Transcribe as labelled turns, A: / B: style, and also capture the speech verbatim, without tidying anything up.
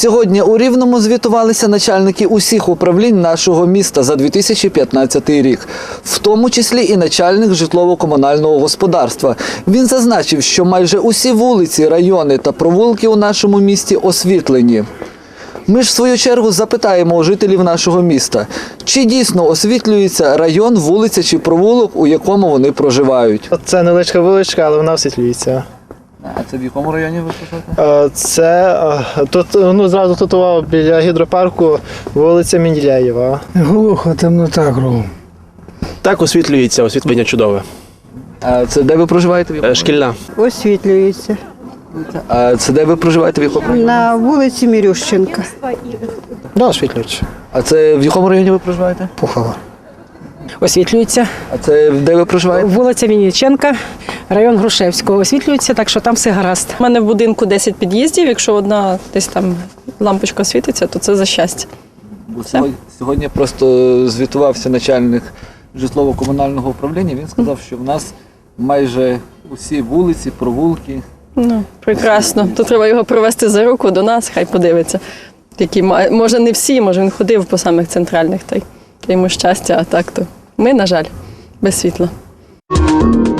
A: Сьогодні у Рівному звітувалися начальники усіх управлінь нашого міста за дві тисячі п'ятнадцятий рік, в тому числі і начальник житлово-комунального господарства. Він зазначив, що майже усі вулиці, райони та провулки у нашому місті освітлені. Ми ж, в свою чергу, запитаємо у жителів нашого міста, чи дійсно освітлюється район, вулиця чи провулок, у якому вони проживають.
B: Це невеличка вуличка, але вона освітлюється.
A: А це в якому районі ви проживаєте?
B: Це тут, ну, зразу тут о, біля гідропарку вулиця Менділяєва.
C: Глухо, темнота кругом.
D: Так, освітлюється, освітлення чудове.
A: А це де ви проживаєте? В якому?
D: Шкільна.
E: Освітлюється.
A: А це де ви проживаєте? В якому?
E: На вулиці Мірющенка.
B: Да, освітлюється.
A: А це в якому районі ви проживаєте?
B: Пухова.
F: Освітлюється.
A: А це де ви проживаєте?
F: Вулиця Вінниченка, район Грушевського. Освітлюється, так що там все гаразд.
G: У мене в будинку десять під'їздів, якщо одна десь там лампочка світиться, то це за щастя.
A: Сьогодні, сьогодні просто звітувався начальник житлово-комунального управління. Він сказав, що в нас майже усі вулиці, провулки.
G: Ну, прекрасно. То треба його привезти за руку до нас, хай подивиться. Які, може не всі, може він ходив по самих центральних, та й йому щастя, а так то ми, на жаль, без світла.